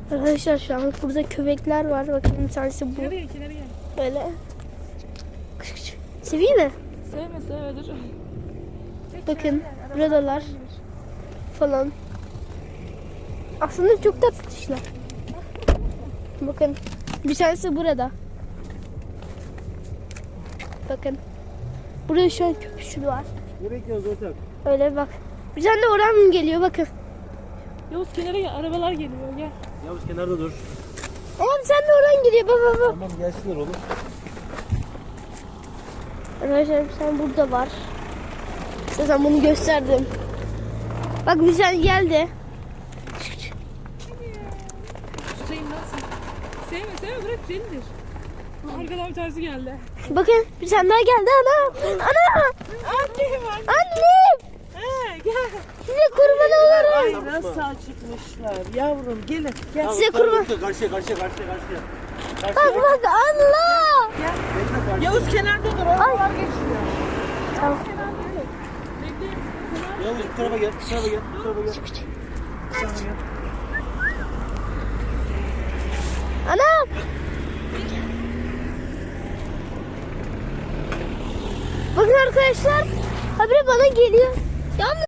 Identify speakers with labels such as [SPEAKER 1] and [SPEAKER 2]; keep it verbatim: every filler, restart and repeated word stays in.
[SPEAKER 1] Arkadaşlar şu an burada köpekler var. Bakın bir tanesi bu.
[SPEAKER 2] Nereye ki nereye?
[SPEAKER 1] Böyle. Kış kış. Seveyim mi?
[SPEAKER 2] Sevme sevme dur.
[SPEAKER 1] Bakın buradalar falan. Aslında çok tatlı dişler. Bakın bir tanesi burada. Bakın. Burada şu an köpüşlü var.
[SPEAKER 3] Nereye gidiyoruz ortak?
[SPEAKER 1] Öyle bak. Bir tane de oran geliyor bakın.
[SPEAKER 2] Yavuz kenara gel. Arabalar geliyor gel.
[SPEAKER 3] Yavuz kenarda dur.
[SPEAKER 1] Oğlum sen de oran geliyor baba baba.
[SPEAKER 3] Tamam gelsinler oğlum.
[SPEAKER 1] Arkadaşlar sen burada var. Zaten bunu gösterdim. Bak bir tane geldi.
[SPEAKER 2] Tutayım nasıl? Sevme sevme bırak delidir. Arkadan bir tanesi geldi.
[SPEAKER 1] Bakın bir tane daha geldi ana. Ana.
[SPEAKER 2] Annem anne.
[SPEAKER 1] Annem.
[SPEAKER 2] He gel.
[SPEAKER 1] Size kurban olurum.
[SPEAKER 4] Ay nasıl acıkmışlar yavrum gelin gel.
[SPEAKER 1] Size kurban.
[SPEAKER 3] Karşıya karşıya karşıya karşıya.
[SPEAKER 1] Bak bak Allah.
[SPEAKER 4] Yavuz kenarda dur oralar geçiyor.
[SPEAKER 1] Tamam.
[SPEAKER 3] Yavuz bu tarafa gel. Bu tarafa gel. Bu tarafa gel. Bu tarafa gel.
[SPEAKER 1] Anam. Bakın arkadaşlar. Habire bana geliyor. Yalnız